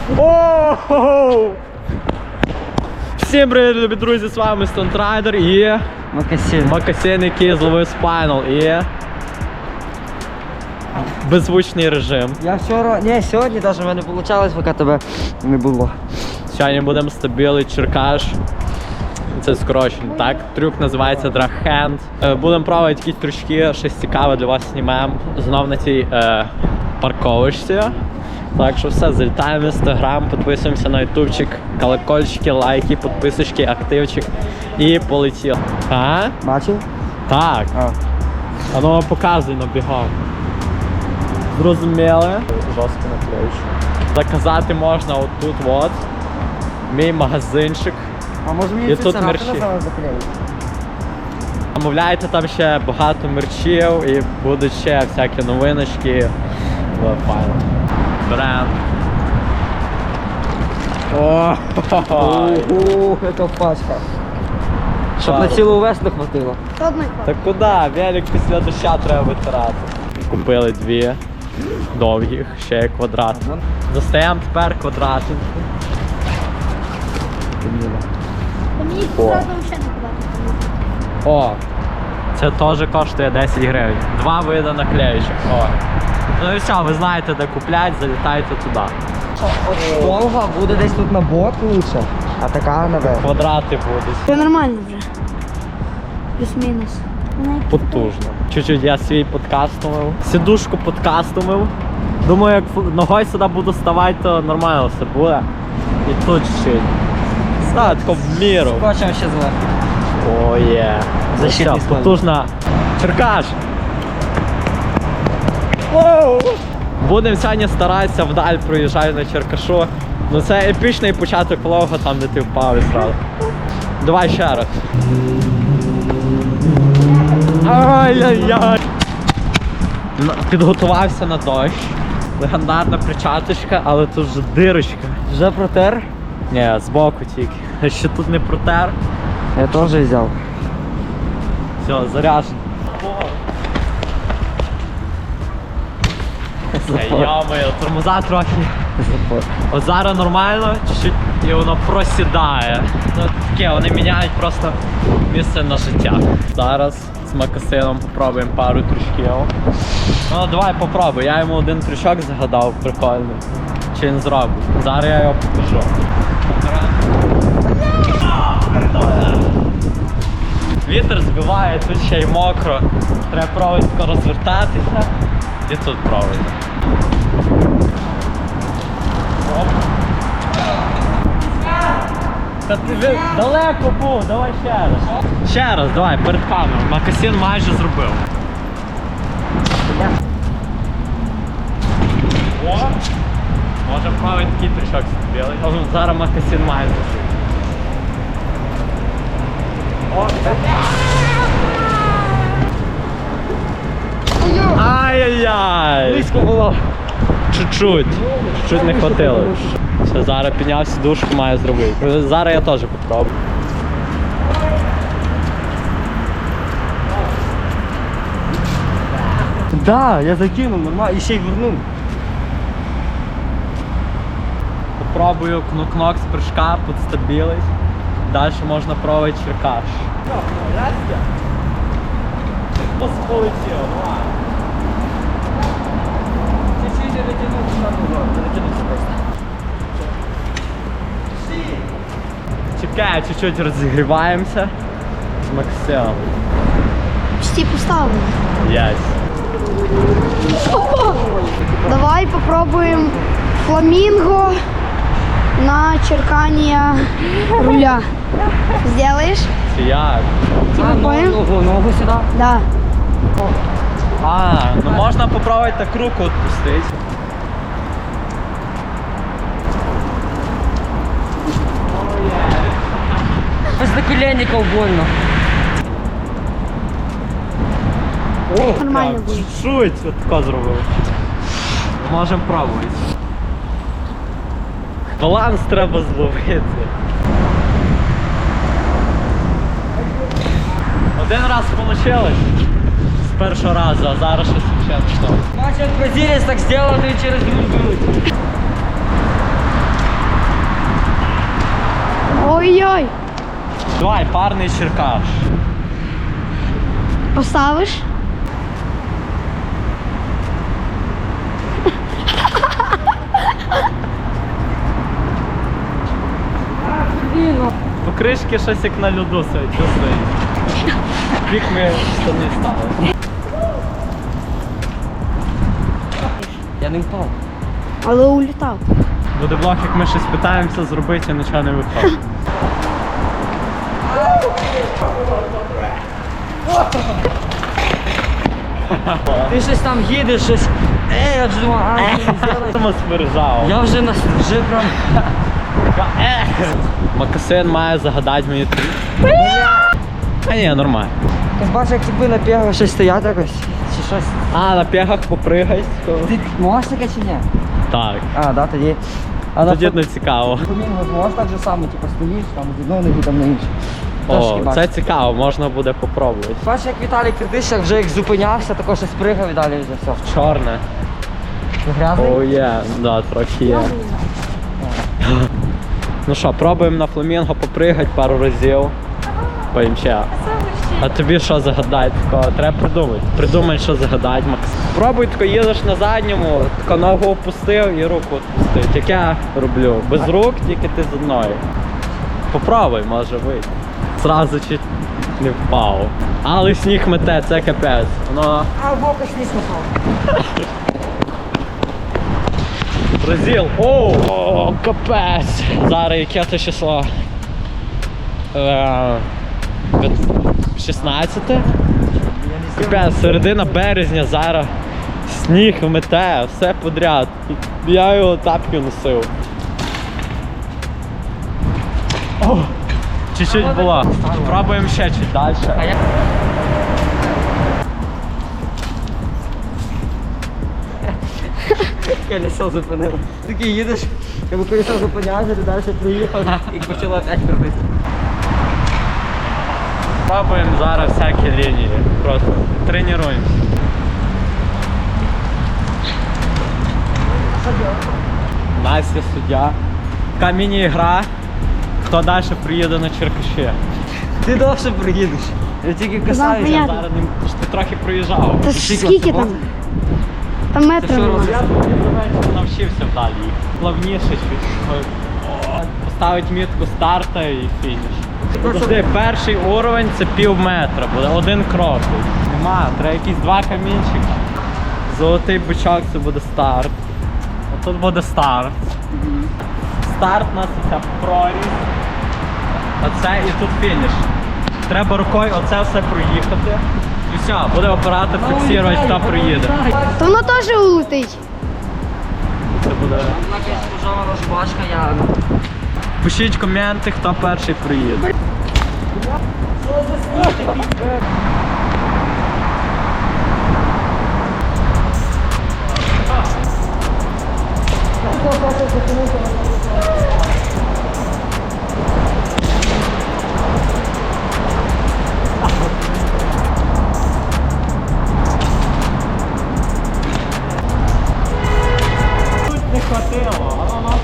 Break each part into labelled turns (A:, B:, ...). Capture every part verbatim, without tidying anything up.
A: Оу! Всім привіт, любі друзі, з вами Стонтрайдер і
B: Макасин.
A: Макасин, який зловив спайнал і беззвучний режим.
B: Я вчора, не, сьогодні навіть в мене вийшло, поки тебе не було.
A: Сьогодні будемо стабіли черкаш. Це скорочено, так? Трюк називається драгхенд. Будемо пробувати якісь трючки, щось цікаве для вас знімемо. Знов на цій е, парковочці. Так що все, залітаємо в інстаграм, підписуємося на ютубчик, колокольчики, лайки, підписочки, активчик і полетіло. А?
B: Бачив?
A: Так.
B: А.
A: А ну показуй на бігом. Зрозуміли? Жорстко наклеючу. Заказати можна отут от. Мій магазинчик.
B: А може мені
A: І
B: цю
A: тут
B: царапину
A: мерчі.
B: зараз заклеїти?
A: Замовляйте там ще багато мерчів і будуть ще всякі новиночки. Файно. Бренд. О,
B: Ух, це пачка. Щоб на цілу весну хватило.
A: та куди? Велик після доща треба витирати. Купили дві довгих, ще є квадрат. Достаємо тепер квадратинку.
C: Мені
A: О.
C: зразу ще не подати.
A: О, це теж коштує десять гривень. Два види наклеючок. О. Ну і все, ви знаєте, де купляти, залітайте туди.
B: От довга буде десь тут на бок лучше, а така наверх.
A: Квадрати будуть.
C: Це нормально вже. Плюс-мінус.
A: Потужно. Чуть-чуть я свій подкастомив. Сідушку подкастомив. Думаю, як фу- ногою сюди буду ставати, то нормально все буде. І тут чуть-чуть. Став тако в міру.
B: Скотчем ще зверху.
A: О, є.
B: Защитний
A: Все,
B: слой.
A: потужна. Черкаш! Воу! Будемо сьогодні старатися вдаль проїжджати на Черкашу. Ну це епічний початок влога, там де ти впав і зразу. Давай ще раз. Ай-яй-яй! Н- Підготувався на дощ. Легендарна причаточка, але тут вже дирочка.
B: Вже протер?
A: Ні, збоку тільки. Ще тут не протер.
B: Я теж взяв.
A: Все, заряджено. Йо-моє, тормоза трохи.
B: Запор.
A: От зараз нормально, чуть-чуть і воно просідає. Ну таке, вони міняють просто місце на життя. Зараз з Макасином попробуємо пару трючків. Ну давай попробуй, я йому один трючок загадав прикольний. Чи він зробить. Зараз я його покажу. Вітер збиває, тут ще й мокро. Треба пробувати розвертатися і тут пробувати. Оп. Та ти ви- далеко був, давай ще раз. Ще раз, давай, перед камерою. Макасин майже зробив. О! Може правий такий трішок білий. Зараз Макасин має зробити. О! Ай-яй-яй!
B: Близько було.
A: Чуть-чуть. Чуть не хватило. Все, зараз підняв сідушку, маю зробити. Зараз я теж попробую.
B: Да, я закинув нормально і ще й вернув.
A: Попробую кнок-кнок з прыжка, підстабілись. Далі можна пробувати черкаш. Полетіло, давай.
B: Чуть-чуть я дотягнув, дотягнувся просто.
A: Чекай, чуть-чуть розігріваємося з Максимом.
C: Почти поставили.
A: Єсть.
C: Опа! Давай попробуем фламинго на черкание руля. Сделаешь?
A: Це як?
C: Типа
B: А,
C: понял?
B: ногу, ногу сюди.
C: Да.
A: А, ну можна попробувати так руку відпустити.
B: Без наколенників больно.
A: О,
C: Нормально
A: так,
C: буде.
A: Чуть-чуть от тако зробив. Можемо пробувати. Баланс треба зловити. Один раз вийшло з першого разу, а зараз щось ще не то.
B: Бачу, як бразилець так зробив, то й через грудь беруть.
A: Давай, парний черкаш.
C: Поставиш?
A: Покришки щось як на льоду себе чувствують. Вік ми штани стали.
B: Я не впав.
C: Але улітав.
A: Буде влог, як ми щось питаємося зробити, і нічого не виходить.
B: Ти щось там їдеш, щось. Ей, я вже думав, а, ні, не зробиш.
A: Тому смержав.
B: Я вже на вже прям.
A: Макасин має загадати мені три. А ні, нормально.
B: Ти бачиш, як тобі на пігах щось стоять якось? Чи щось?
A: А, на п'ягах попригай.
B: Ти можеш таке чи ні?
A: Так.
B: А, да, тоді. А на
A: Тоді не цікаво.
B: фламінго можеш так же само, типу, стоїш, там з одного ноги, там на іншу. Трошки
A: О,
B: бачиш.
A: це цікаво, можна буде попробувати.
B: Бачиш, як Віталій Кирдищак вже як зупинявся, тако щось пригав і далі вже все.
A: Чорне.
B: Ти грязний?
A: О, є, да, трохи є. Ну що, пробуємо на фламінго попригати пару разів. Поїм ще. А тобі що загадати такого? Треба придумати. Придумай, що загадати, Макс. Пробуй, тако їдеш на задньому, тако ногу опустив і руку відпустив. Як я роблю. Без рук, тільки ти з одної. Попробуй, може вийти. Зразу чуть не впав. Але сніг мете, це капець. Воно
B: А в боку сніс попав.
A: Бразил. О, о, капець. Зараз яке це число? Е, шістнадцяте? Капець, середина березня, зараз сніг мете, все подряд. Я його тапки носив. О, чуть-чуть була. Пробуємо ще чуть далі.
B: А я... Колесо зупинило. Такий їдеш, якби колесо зупинявся, ти далі приїхав і почало опять крутити.
A: Пробуємо зараз всякі лінії. Просто тренуємося. Настя суддя. Така міні-гра. Хто далі приїде на Черкаші?
B: Ти довше приїдеш. Я тільки касаюся.
C: понятно.
A: Зараз не ти ж ти трохи проїжджав.
C: Та ж скільки там? Там метрів
B: що,
C: нема.
A: Я тобі навчився вдалі. Плавніше щось. О, поставить мітку старта і фініш. Подожди, перший уровень це пів метра буде, один крок. Нема, треба якісь два камінчика. Золотий бичок це буде старт. А тут буде старт. Старт у нас це проріз. Оце і тут фініш. Треба рукою оце все проїхати. І все, буде оператор фіксувати, хто приїде.
C: То воно теж улетить.
A: Це буде.
B: Вона якась пожова розбачка, я...
A: Пишіть коменти, хто перший приїде. Тут не хватило, а воно.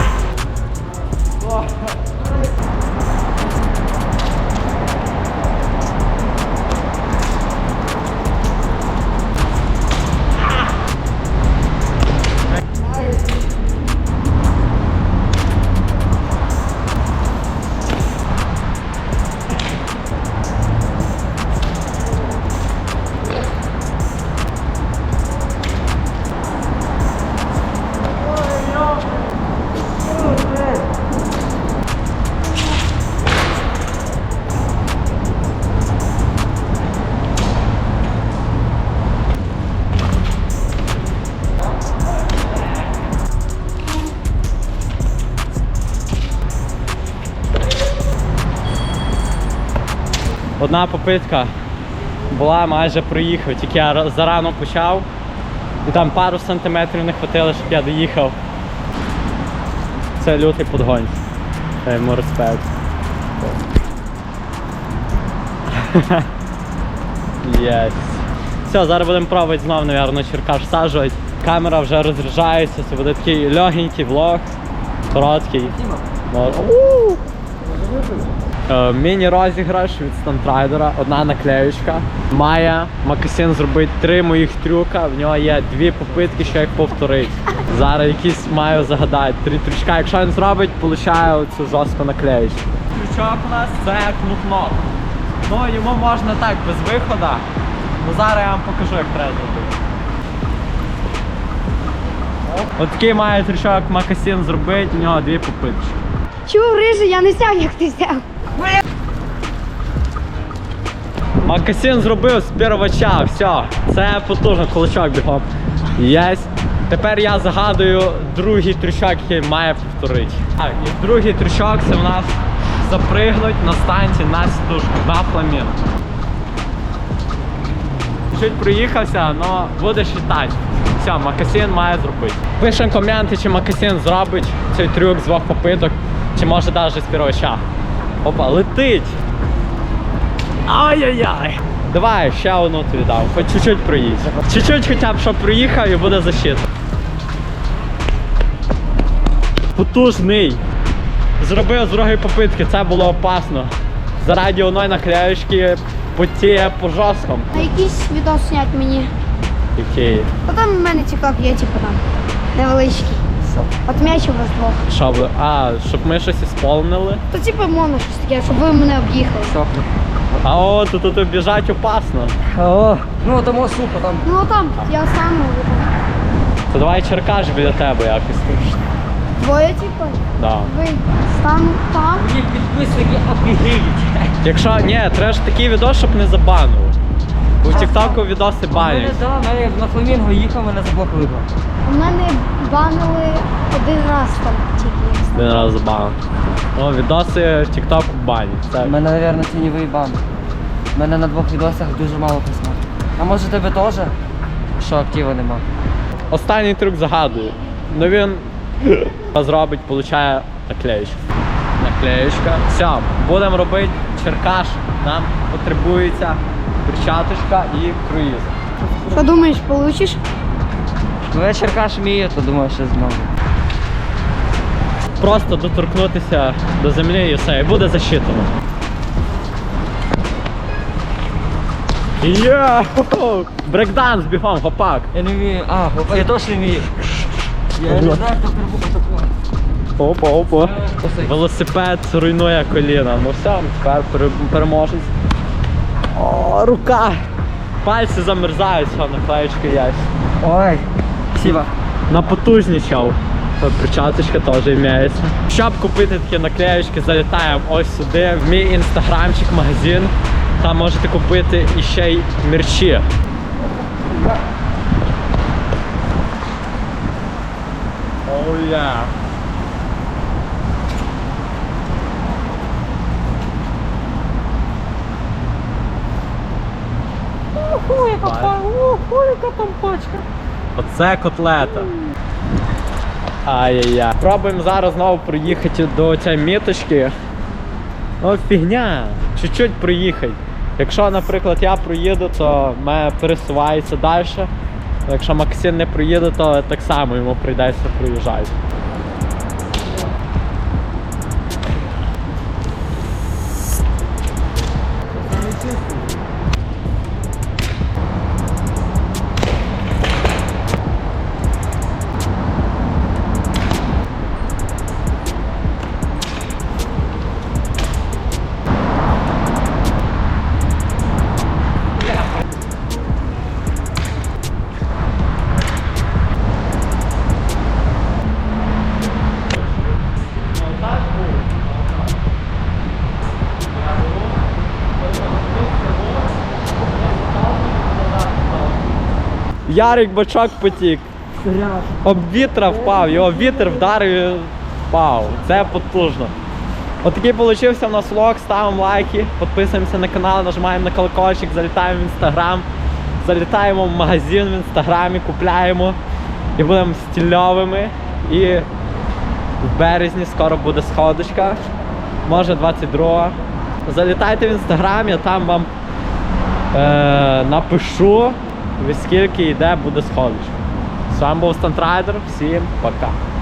A: Одна попитка була, майже проїхав, тільки я ра- зарано почав. І там пару сантиметрів не хватило, щоб я доїхав. Це лютий подгонь. Я йому респект. Єс. Все, зараз будемо пробувати знову, мабуть, черкаш всаджувати. Камера вже розряджається, це буде такий легенький влог, короткий. Може. Е, Міні-розіграш від Стантрайдера, одна наклеючка. Має Макасин зробити три моїх трюка, в нього є дві попитки, що їх повторить. Зараз якісь маю загадати три трючка. Якщо він зробить, получаю цю жорстку наклеючку. Трючок у нас це кнопнот. Ну, йому можна так, без виходу. Ну зараз я вам покажу, як треба зробити. От такий має трючок Макасин зробити, у нього дві попитки.
C: Чув, рижий, я не сяв, як ти сяв.
A: Макасин зробив з первача, все. Це потужно, кулачок бігом. Єсть. Тепер я загадую другий трючок, який має повторити. А, і другий трючок це в нас запригнуть на станції на сідушку, на фламінго. Чуть проїхався, але будеш літати. Все, Макасин має зробити. Пишемо коменти, чи Макасин зробить цей трюк з двох попиток, чи може навіть з первача. Опа, летить! Ай-яй-яй! Давай, ще одну тобі дам, хоч чуть-чуть проїдь. Чуть-чуть хоча б, щоб проїхав і буде защита. Потужний! Зробив з другої попитки, це було опасно. Заради одної наклеючки потіє по жорсткому.
C: А якийсь відос снять мені.
A: Який?
C: Та там у мене тікток є, типу там. Невеличкий. От м'яч у вас двох.
A: Що ви? А, щоб ми щось ісполнили?
C: То типу моно щось таке, щоб ви мене об'їхали.
B: Сохне.
A: А о, тут, тут біжать опасно.
B: О, ну тому сухо там.
C: Ну там, я сам можу.
A: То давай черкаш біля тебе якось тут.
C: Двоє типу.
A: Да.
C: Ви стану там.
B: Мені підписники офігіють.
A: Якщо, ні, треба ж такий відос, щоб не забанили. Бо в тіктоку відоси
B: Мене,
A: банять.
B: да, мене на фламінго їхав, мене заблокували.
C: У мене банили один раз там тільки.
A: Один раз забанив. Ну, відоси в тіктоку банять. Це...
B: У мене, мабуть, тіньовий бан. У мене на двох відосах дуже мало просмотрів. А може тебе теж? Що актива нема?
A: Останній трюк загадую. Ну він зробить, получає наклеючку. Наклеючка. Все, будемо робити черкаш. Нам потребується перчаточка і круїз.
C: Що думаєш, получиш?
B: Ну я черкаш вмію, то думаю, що зможу.
A: Просто доторкнутися до землі і все, і буде засчитано. Є! Брейкданс бігом, гопак.
B: Я не вмію. А, опа, я теж не вмію. Я не знаю, хто прибув такого.
A: Опа, опа. Велосипед руйнує коліна. Ну все, тепер пере- переможець. О, рука! Пальці замерзають, все, наклеєчка є.
B: Ой, спасибо.
A: Напотужнічав. Перчаточка теж імеється. Щоб купити такі наклеєчки, залітаємо ось сюди, в мій інстаграмчик, магазин. Там можете купити іще й мерчі. Oh yeah.
B: Уху, яка па- уху, яка там пачка.
A: Оце котлета. Ай-яй-яй. Пробуємо зараз знову проїхати до цієї міточки. Ну, фігня. Чуть-чуть проїхати. Якщо, наприклад, я проїду, то в мене пересувається далі. Якщо Максим не проїде, то так само йому прийдеться проїжджати. Ярик бачок потік. Об вітра впав, його вітер вдарив і впав. Це потужно. Отакий получився в нас влог, ставимо лайки, підписуємося на канал, нажимаємо на колокольчик, залітаємо в інстаграм, залітаємо в магазин в інстаграмі, купляємо і будемо стильовими. І в березні скоро буде сходочка, може двадцять другого. Залітайте в інстаграм, я там вам е- напишу, скільки йде буде сходочка. З вами був Стантрайдер, всім пока.